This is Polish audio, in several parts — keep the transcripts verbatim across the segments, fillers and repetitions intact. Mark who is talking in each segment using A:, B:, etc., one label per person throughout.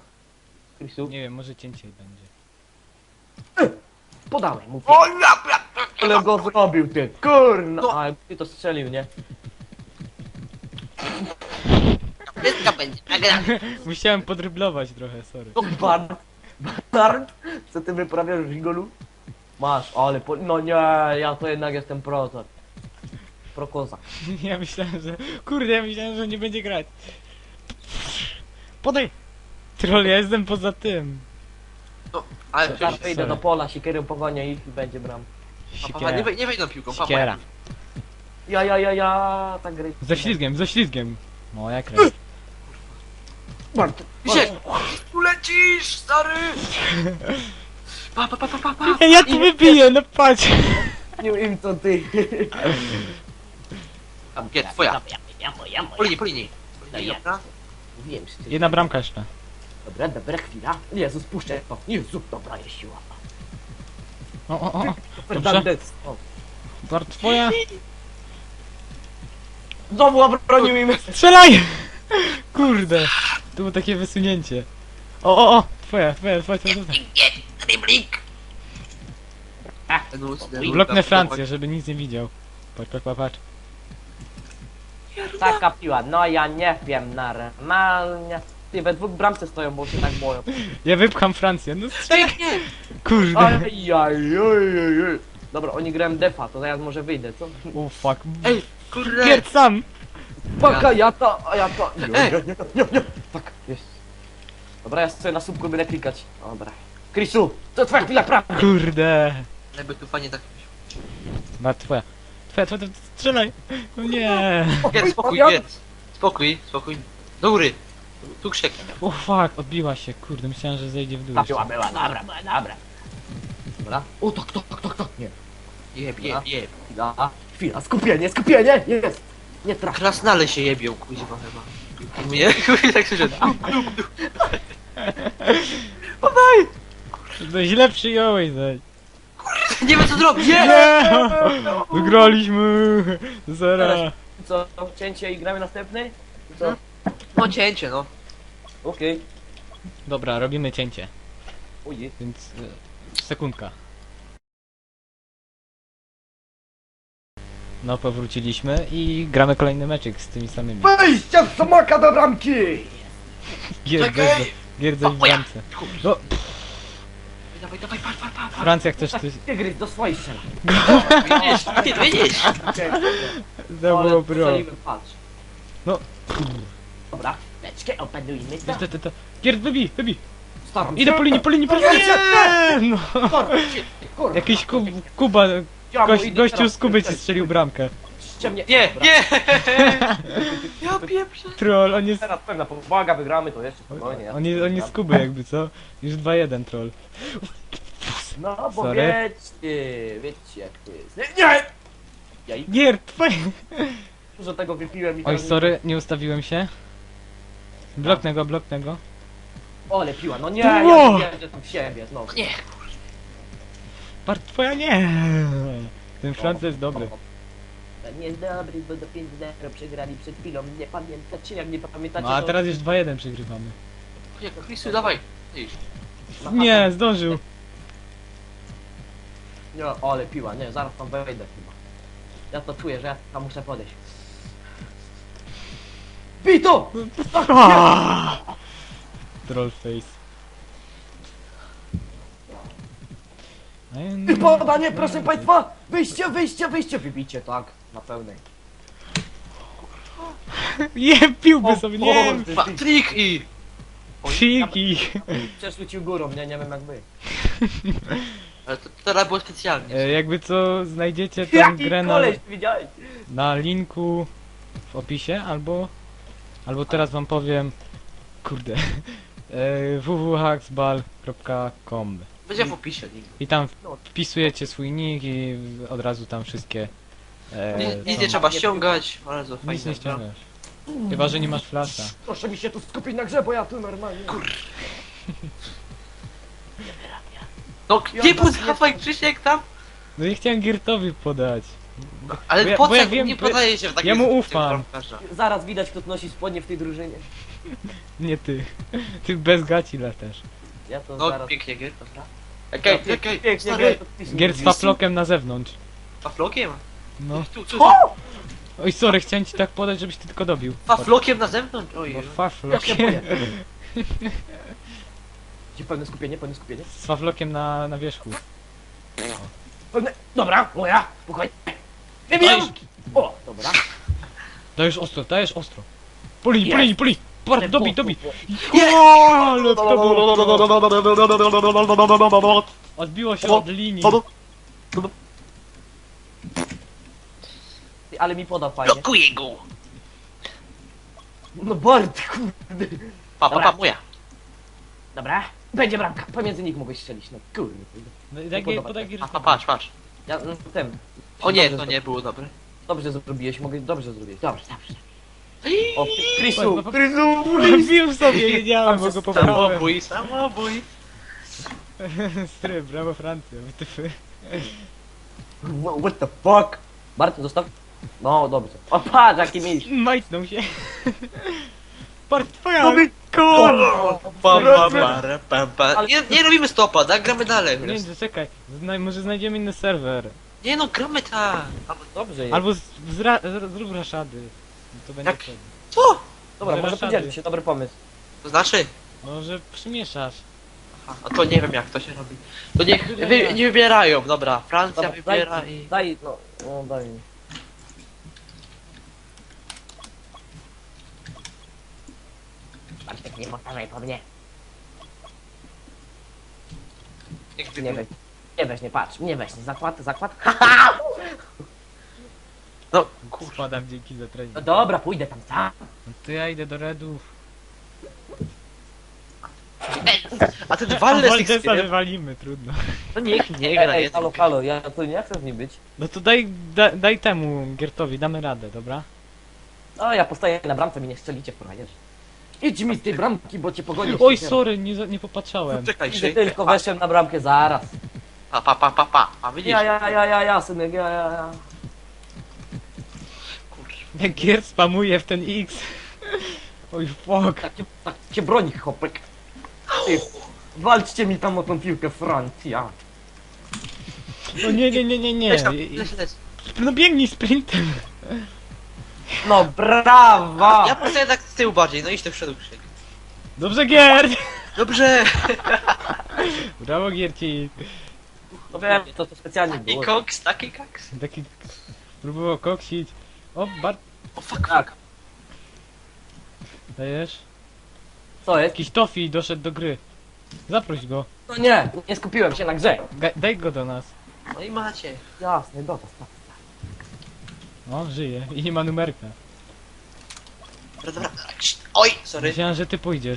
A: Chrisu,
B: Nie wiem, może cięciej będzie.
A: podałeś mu.
C: O ja, ja,
A: Ale go zrobił ty, kurna!
C: No.
A: A, ty to strzelił, nie?
C: wszystko będzie nagrane.
B: Musiałem podryblować trochę, sorry.
A: No, Bart, Bart, co ty wyprawiasz w Rigolu? Masz, ale po... no nie, ja to jednak jestem prozor. Prokozak.
B: Ja myślałem, że... Kurde, ja myślałem, że nie będzie grać. Podaj! Troll, ja jestem poza tym.
C: No, ale
A: Teraz
C: przecież...
A: wyjdę do pola, siekierę pogonię ich i będzie bram.
C: Pa, pa, pa, nie,
B: Sikiera.
C: wej- nie wejdą piłką, papa.
B: Sikiera.
A: Ja, ja, ja, ja, tak gry.
B: Ze ślizgiem, ze ślizgiem. Moja krew.
A: Bart,
C: Misiek, tu lecisz, stary! Pa, pa, pa, pa, pa, pa.
B: Ja, ja tu wybiję, no patrz.
A: nie wiem co ty.
C: Tam, nie, twoja.
A: Ja, ja, moja,
C: Po
A: moja.
C: linii, po linii. Po linii,
A: Ja.
C: dobra?
A: Mówiłem, że ty...
B: Jedna bramka jeszcze.
A: Dobra, dobra, chwila. Jezus, puszczę to. Jezu, dobra, jest siła.
B: O, o, o.
A: Fernandez. O.
B: Bart, twoja.
A: Znowu obronił im.
B: Strzelaj! Kurde! To było takie wysunięcie. O, o, o! Twoja, twoja, twoja, twoja, twoja.
C: Driblik! No,
B: Bloknę Francję, żeby nic nie widział. Patrz, patrz, patrz, patrz.
A: Taka piła, no ja nie wiem, normalnie. Ty, we dwóch bramce stoją, bo się tak boją.
B: Ja wypcham Francję, no strzelaj!
C: Pięknie!
B: Kurde!
A: Ajajajajaj. Dobra, oni grają defa, to ja może wyjdę, co?
B: O fuck.
C: Ej, kurde!
B: Pierd sam!
A: Paka, ja to, a ja to. Nie,
C: Ej.
A: nie, nie, nie, nie. Tak, jest. Dobra, ja sobie na słupku będę klikać. Dobra. Chrisu, to twoja chwila prawdy.
B: Kurde!
C: Jakby tu fajnie tak...
B: Ma twoja. Twoja, twoja, twoja, strzelaj! No nie!
C: Jedz, spokój, jedz! Spokój, spokój. Do góry! Tu krzek.
B: O fuck, odbiła się, kurde, myślałem, że zejdzie w dół.
A: Ta
B: jeszcze.
A: piła była, dobra, była, dobra. Dobra. O, tak, tak, tak, tak, nie.
C: Jeb, jeb, jeb.
A: Chwila, chwila, skupienie, skupienie, jest. Nie traf.
C: Krasnale się jebią, kuźwa chyba. Mnie, kuźwa, tak słyszę.
B: No źle przyjąłeś, zaś.
C: Nie wiem co zrobić! Nie!
B: Nie! Wygraliśmy! Zera!
A: Teraz. Co, cięcie i gramy następny? Co?
C: No cięcie, no.
A: Okej.
B: Dobra, robimy cięcie,
A: Ujej.
B: więc e, sekundka. No, powróciliśmy i gramy kolejny meczyk z tymi samymi.
D: Wejście w smaka do bramki!
B: Gierdzę, gierdzę w bramce. No,
C: Dawaj, dawaj, patrz, patrz, patrz.
B: Francja chcesz coś...
A: Tygrys do swoich strzela.
C: Widzisz, ty widzisz!
B: To
A: Ale
B: było pro.
A: strzeliłem, patrz.
B: No.
A: Dobra, leczkę opanujmy to.
B: To, to, to. Gierd, wybij, wybij!
A: Staram się.
B: Idę po linii, po linii, po linii! Nie! No.
A: Kurwa.
B: Jakiś kub, Kuba,
A: Ja mu
B: gość,
A: idę
B: gościu
A: teraz.
B: z Kuby ci strzelił bramkę.
A: Ściemnie.
C: Nie,
A: Dobra.
C: nie! Ja pieprzę.
B: Troll, on jest...
A: Teraz pewna powaga, wygramy to jeszcze spokojnie. ja
B: On jest, on jest z Kuby jakby, co? Już dwa jeden troll.
A: No bo
B: Sorry.
A: wiecie, wiecie jak to jest. Nie, nie! Jaj,
B: Gierd, twoje...
A: dużo tego wypiłem i
B: Oj,
A: teraz nie-
B: sorry, nie ustawiłem się. Bloknę go, bloknę go.
A: O, ale piła, no nie,
B: Ło!
A: ja wierzę tu w siebie znowu.
C: Nie.
B: Part twoja nie! Ten Franc jest dobry.
A: Nie jest dobry, bo do pięć zero przegrali przed chwilą. Nie pamiętacie, jak nie pamiętacie,
B: No a
A: to-
B: teraz już dwa jeden przegrywamy.
C: Nie, Chrisu, dawaj. Idź.
B: Nie, zdążył.
A: Nie, o, ale piła, nie, zaraz tam wejdę chyba. Ja to czuję, że ja tam muszę podejść. Bij to!
B: Troll face.
A: Podanie, proszę państwa! Wyjście, wyjście, wyjście! Wybicie, tak, na pełnej.
B: Nie, piłby sobie, nie!
A: Boże,
C: Pa,
A: ty-
C: trik i...
B: Psiki!
A: Przeszły górą, nie, nie wiem jak wy.
C: Ale to teraz było specjalnie.
B: E, jakby co, znajdziecie tę
A: Jaki
B: grę na,
A: koleś, widziałeś?
B: na linku w opisie, albo albo teraz wam powiem, kurde, e, w w w kropka hacksball kropka com
C: Będzie w opisie link.
B: i tam wpisujecie swój nick i od razu tam wszystkie e,
C: Nic, nic
B: są-
C: nie trzeba ściągać, bardzo fajnie.
B: nic nie ściągasz. Chyba, że nie masz flasha.
A: Proszę mi się tu skupić na grze, bo ja tu normalnie...
C: No
A: Ja
C: nie
A: was nie
C: podawaj Krzysiek tam!
B: No i chciałem Girtowi podać.
C: Ale
B: Bo ja-
C: po
B: bo
C: co
B: ja
C: jak
B: wiem,
C: nie
B: bo ja-
C: podaje się w takim
B: ja mu
C: sytuacji
B: ufam.
C: bramkarza?
A: Zaraz widać, kto nosi spodnie w tej drużynie.
B: Nie ty. Ty bez gaci latasz.
A: Ja to
C: No
A: zaraz...
C: pięknie, Gier, dobra. Okej,
A: Ja
C: okej,
A: pięknie,
C: stary.
A: to ty się
B: Giert z
A: mówisz.
B: faflokiem na zewnątrz.
C: Faflokiem?
B: No.
C: Tu, tu, tu.
A: O!
B: Oj, sorry, chciałem ci tak podać, żebyś ty tylko dobił.
C: Faflokiem na zewnątrz? Oj,
B: No
A: Ja się
B: faflokiem.
A: boję. Gdzie pełne skupienie, pełne skupienie?
B: Z faflokiem na, na wierzchu.
A: Pełne... Dobra, moja, spokojnie. Wybijam!
B: Dajesz,
A: O, dobra.
B: dajesz ostro, dajesz ostro. Po linii, po
A: Jest.
B: linii, po linii. Par,
A: Ale
B: dobij,
A: po-
B: dobij.
A: po-
B: O, ale to było... Odbiło się od linii.
A: Ty, ale mi poda fajnie.
C: blokuję go!
A: No Bart, kurde.
C: Pa, pa,
A: Dobra.
C: pa, moja.
A: Dobra, będzie bramka. Pomiędzy nich mogłeś strzelić, no kurde.
B: No, Daj,
A: podoba
B: podaj
A: się.
B: gier.
C: Pa, pa, patrz, patrz.
A: Ja, no, ten.
C: O nie,
A: Dobrze
C: to nie było dobre.
A: Dobrze zrobiłeś, mogę dobrze zrobić. Dobrze, dobrze. O, Chrisu,
B: Pa, pa, pa.
A: Chrisu,
B: Bił sobie, wiedziałem, bo go pobrałem.
C: Samobój, samobój.
B: Stry, brawo Francja, wytyfy.
A: What the fuck? Bart, zostaw. No, dobrze. O, patrz, jaki mieliś.
B: Majtnął się. Bart, twoja!
C: Robi-
B: Kurwa!
C: Pam, pam, para, pam, pam.
A: Ale-
C: Nie, nie robimy stopa, tak? Gramy dalej.
B: Nie, nie, czekaj. Zna, może znajdziemy inny serwer.
C: Nie no, gramy tak.
A: Albo dobrze jest.
B: Albo z, zra, z, zrób raszady. To będzie
C: Jak?
B: wtedy.
C: Co?
A: Dobra, może
B: Raszady.
A: podzielmy się, dobry pomysł.
C: To znaczy?
B: Może przymieszasz.
C: Aha, a to nie wiem jak to się robi. To niech wy, nie wybierają, dobra. Francja
A: Dobra,
C: wybiera
A: daj,
C: i...
A: daj, no, no daj mi. Bartek, nie powtarzaj po mnie.
C: Niech
A: Nie
C: wybiera.
A: weź, nie weź, nie patrz, nie weź, nie zakład, zakład.
C: No, kurwa.
B: Spadam dzięki za trening.
A: No dobra, pójdę tam sam.
B: No to ja idę do redów.
C: A ten
B: A
C: walne z
B: Waldesa
C: X-Pierem,
B: wywalimy, trudno.
C: to niech nie
A: Ej,
C: gra,
A: ej,
C: nie
A: halo, halo, ja tu nie chcę z nim być.
B: No to daj, da, daj temu Giertowi, damy radę, dobra?
A: O, ja postaję na bramce, mi nie strzelicie w frajerz. Idź mi z tej bramki, bo cię pogonię.
B: Oj, sorry, nie, za- nie popatrzałem.
C: Czekaj,
A: Idę
C: się.
A: tylko, weszłem na bramkę, zaraz.
C: Pa, pa, pa, pa, pa. A widzisz?
A: Ja, ja, ja, ja, ja, synek, ja, ja, ja.
C: Kurwa.
B: Jak Giert spamuje w ten X. Oj, fuck.
A: Tak cię, tak cię broni, chłopek. Ty, walczcie mi tam o tą piłkę, Francja.
B: No nie, nie, nie, nie, nie.
C: Leć tam,
B: I- i-
C: leć, leć.
B: No biegnij sprintem.
A: No brawa!
C: Ja postaję tak z tyłu bardziej, no idź do przodu, Krzyk.
B: Dobrze, Giert.
C: Dobrze!
B: Brawo, Gierci.
A: No wiem, to, to specjalnie
C: Taki
A: było.
C: koks, taki koks.
B: Taki próbował koksić. O, Bart,
C: O fuck,
A: Tak,
C: fuck.
B: dajesz?
A: co jest?
B: Jakiś Tofi doszedł do gry. Zaproś go.
A: No nie, nie skupiłem się na grze.
B: Ga- daj go do nas.
C: No i macie.
A: Jasne, dobra, tak.
B: O, żyje. I nie ma numerka.
C: Dobra, dobra. Cii, oj, sorry.
B: Myślałem, że ty pójdziesz.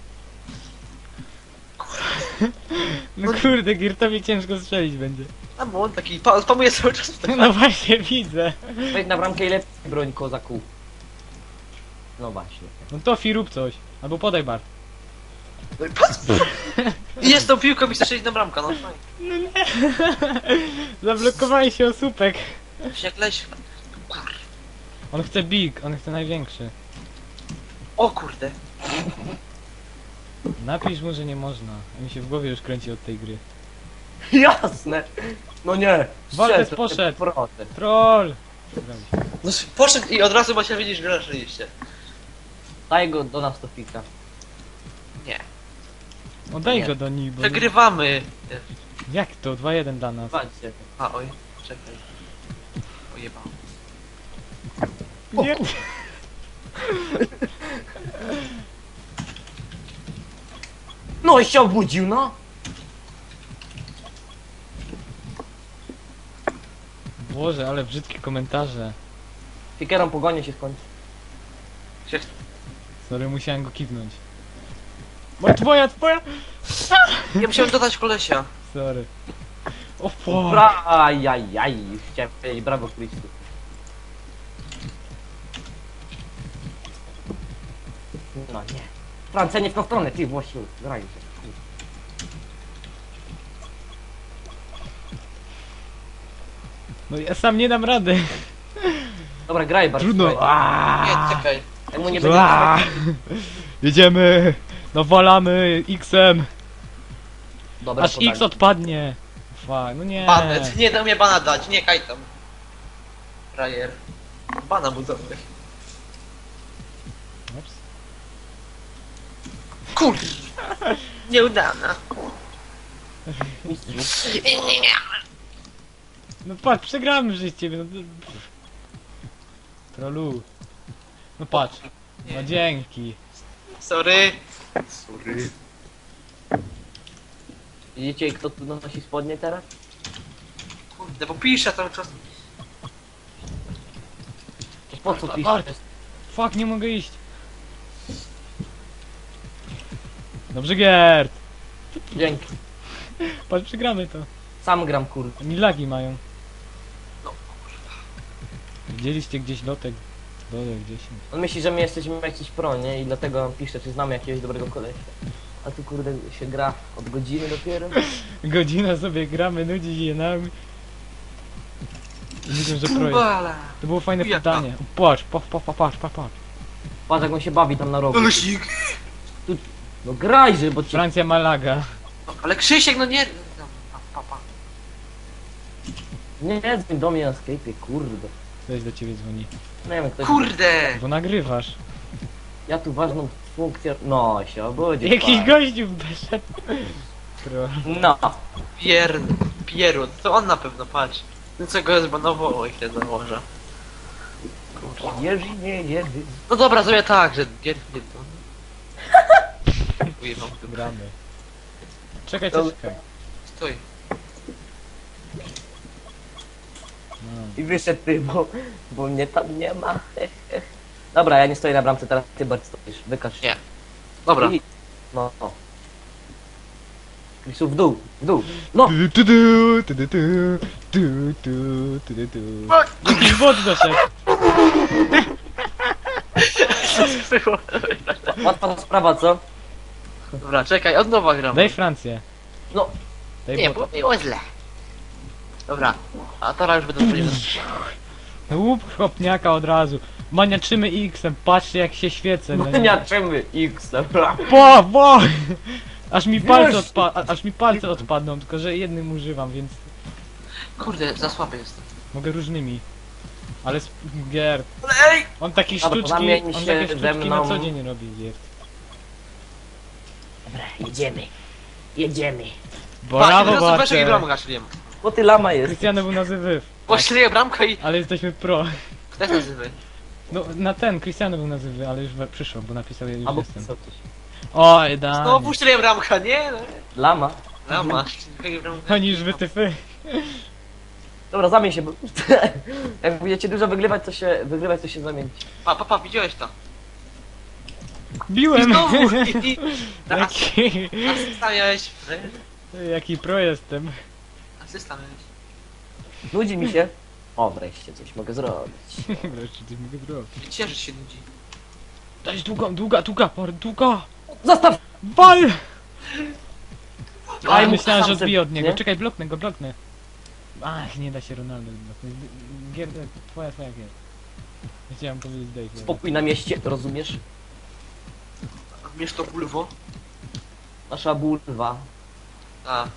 B: No kurde, Giertowi ciężko strzelić będzie.
C: A bo on taki pa spamuje cały czas w tak.
B: No właśnie, widzę.
A: Wejdź na bramkę i lepiej broń kozaku. No właśnie.
B: No Tofi, rób coś. Albo podaj Bart.
C: No i patrz. I jest tą piłką i chce strzelić na bramkę, no fajnie.
B: Zablokowali się osópek.
C: Jak leś. Kur...
B: On chce big, on chce największy.
C: O kurde.
B: Napisz mu, że nie można. A mi się w głowie już kręci od tej gry.
A: Jasne! No nie!
B: Waldes
A: strzel,
B: poszedł.
A: proste.
B: Troll!
C: No poszedł i od razu macie widzieć, że oczywiście.
A: Daj go do nas to fika.
C: Nie.
B: Oddaj
C: Nie.
B: go do nich, bo...
C: Przegrywamy.
B: Jak to? dwa jeden dla nas.
A: Walczcie.
C: A oj, czekaj. Ojebał.
B: Nie.
A: No i się obudził, no!
B: Boże, ale brzydkie komentarze.
A: Fikerą pogonie się skończy.
C: Się...
B: Sorry, musiałem go kiwnąć. Bo twoja, twoja!
C: Ja musiałem dodać kolesia.
B: Sorry. O fuck.
A: Bra, ajajaj, już chciałem powiedzieć brawo Christu. No nie. Francja nie w tą stronę, ty Włosiu, graj się.
B: No ja sam nie dam rady.
A: Dobra, graj bardzo.
B: Trudno.
C: Nie,
B: Aaaa.
C: czekaj.
A: Jak mu nie będzie...
B: Aaaa. Jedziemy. Nawalamy X-em.
A: Dobra,
B: Aż
A: podanie.
B: X odpadnie. Fuck, no nie.
C: Banet. Nie dał mnie bana dać, nie kaj tam. Frajer. Bana mu dobry.
B: Ups.
C: Kur... Nieudana.
A: Mistrzu.
B: No patrz, przegramy że z ciebie. No, to- Trolu. No patrz. No dzięki.
C: Sorry. Sorry.
A: Widzicie kto tu nosi spodnie teraz?
C: Kurde, bo piszę cały czas.
A: Po co piszesz?
B: Bart. Fuck, nie mogę iść. Dobrze, Gert.
A: Dzięki.
B: Patrz, przegramy to.
A: Sam gram kurde.
B: Oni lagi mają.
C: No,
B: Widzieliście gdzieś lotek? Dole gdzieś.
A: On myśli, że my jesteśmy jakiś pro, nie? I dlatego on pisze, czy znamy jakiegoś dobrego kolesia. A tu kurde się gra od godziny dopiero.
B: Godzina sobie gramy, nudzi się nami. I Myślę, że projekt.
C: Kubala.
B: To było fajne
C: Jaka?
B: pytanie. Patrz, patrz, patrz, patrz, patrz, patrz.
A: Patrz jak on się bawi tam na rogu.
C: Lusik.
A: No grajże, bo ci...
B: Francja Malaga.
C: Ale Krzysiek, no nie... No, pa, pa, pa.
A: Nie, dzwoń do mnie na Skype'ie, kurde.
B: Ktoś do ciebie dzwoni.
A: Nie wiem, ktoś...
C: Kurde!
B: Bo nagrywasz.
A: Ja tu ważną funkcję... No, się obudzić.
B: Jakiś
A: pan.
B: gościu wyszedł. Pro.
A: No.
C: Pier... Pieru, to on na pewno, patrz. No co go zbanowało, jak się założę.
A: Jerzy, nie, jerzy.
C: No dobra, zrobię tak, że... Nie, nie, to... Ujebam tu.
B: Gramy. Czekaj,
A: To-
B: czekaj.
C: Stój.
B: No.
A: I wyszedł ty, bo, bo mnie tam nie ma. Dobra, ja nie stoję na bramce, teraz ty Bart stoisz. Wykaż się.
C: Nie. Dobra.
A: I- No, o. Krisu, w dół, w dół. No!
B: Tu, tu, tu, tu, tu, tu, tu, tu, tu, tu. Jakiś bot doszedł.
A: Łatwa sprawa, co?
C: Dobra, czekaj, od nowa gram.
B: Daj Francję.
A: No,
B: Daj
C: Nie,
B: bota.
C: bo było źle. Dobra, a teraz już będę przyjemny.
B: Łup chłopniaka od razu. Maniaczymy X-em, patrzcie jak się świecę. No, nie.
A: maniaczymy X, dobra.
B: Bo, bo! Aż mi palce
A: Wiesz-
B: odpa aż mi palce odpadną, tylko że jednym używam, więc
C: Kurde, za słaby jestem.
B: mogę różnymi. Ale sp- Gier,
C: Ale ej!
B: on taki
A: Dobra,
B: sztuczki,
A: zamień
B: on
A: się
B: takie
A: ze
B: sztuczki na
A: mną.
B: co dzień robi Gier.
A: Jedziemy. Jedziemy.
B: Brawo,
C: Patrz, weź
B: Bacze!
C: bramka strzeliłem.
A: Bo ty lama jest.
B: Krystiano był nazywy,
C: Bo strzeliłem bramkę i...
B: ale jesteśmy pro.
C: Kto jest nazywy?
B: No na ten, Cristiano był nazywy, ale już we- przyszło, bo napisał, ja już
A: Albo
B: jestem.
A: co coś.
B: Oj, da.
C: Znowu strzeliłem bramkę, nie? No.
A: Lama.
C: Lama. Strzeliłem bramkę.
B: Oni już wytyfy.
A: Dobra, zamień się, bo... Jak będziecie dużo wygrywać, to się... Wygrywać, to się zamienić.
C: Pa, pa, pa, widziałeś to? I
B: Biłem!
C: znowu! I, i, na
B: Jaki,
C: asysta miałeś.
B: jaki pro jestem.
C: Asysta miałeś.
A: Nudzi mi się. O, wreszcie coś mogę zrobić.
B: Wreszcie coś mogę zrobić.
C: Cieszyć się nudzi.
B: Daj długa, długa, długa, par, długa!
A: Zostaw!
B: Wal!
A: Aj,
B: Aj,
A: mu
B: myślałem, że
A: sam
B: odbiję od
A: se-
B: niego.
A: nie?
B: Czekaj, bloknę go, bloknę. Ach, nie da się Ronaldo bloknąć. Gier, twoja, twoja gier. Chciałem powiedzieć Dave.
A: Spokój na mieście, rozumiesz?
C: Mierz to bulwo.
A: Nasza bulwa.
C: A.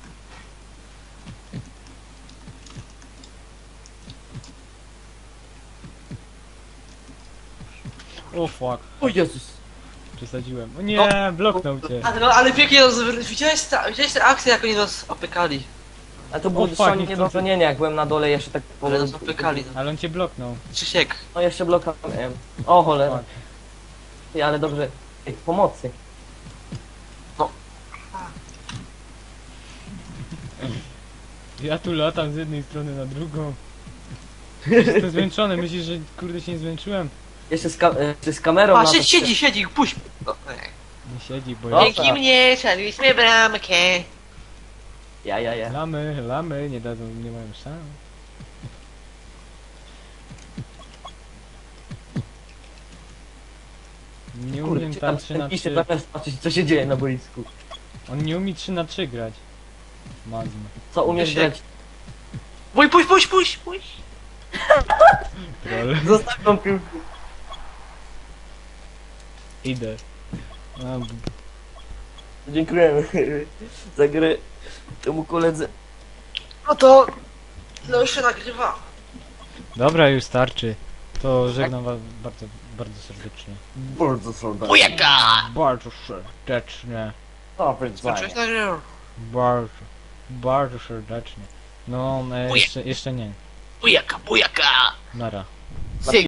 B: O fuck,
A: O Jezus!
B: przesadziłem. O nie, bloknął cię.
C: A, no ale pięknie roz... widziałeś, ta, widziałeś te akcje, jak oni nas opykali.
A: A to było
B: O, fuck,
A: dosłownie
B: nie
A: nie do dzwonienia, jak byłem na dole jeszcze tak po...
C: Ale nas opykali. No.
B: Ale on cię bloknął.
C: Krzysiek.
A: No jeszcze blokałem. O cholera.
B: Fuck.
A: Ty, ale dobrze. Ej, pomocy.
B: Ja tu latam z jednej strony na drugą. Jestem zmęczony, myślisz, że kurde się nie zmęczyłem?
A: Jeszcze z, ka e, jeszcze z kamerą
C: A,
A: na
C: siedzi,
A: to-
C: siedzi, siedzi, puść. No, ej.
B: Nie siedzi, bo
A: Dobra.
B: ja...
C: Dzięki mnie strzeliśmy bramkę.
A: Ja, ja, ja.
B: Lamy, lamy, nie dadzą, nie mają szans. Nie umiem
A: Kurde,
B: tam
A: tam
B: trzy na
A: pisze
B: trzy.
A: zamiast patrzeć co się dzieje na boisku.
B: On nie umie trzy na trzy grać. Mazm.
A: Co umiesz
C: Krzysiek.
A: grać?
C: Pójdź, pójdź, pójdź, pójdź, pójdź.
B: Troll.
A: Zostaw tą piłkę.
B: Idę. A, b-
A: Dziękujemy za grę temu koledze.
C: No to... No już się nagrywa.
B: Dobra, już starczy. To żegnam was bardzo, bardzo serdecznie.
A: Bardzo serdecznie.
C: Bujaka!
B: Bardzo serdecznie.
A: Dobry
C: Zacząłeś nagrywać?
B: Bardzo, bardzo serdecznie. No, e, jeszcze, jeszcze nie.
C: Bujaka, bujaka!
B: Nara.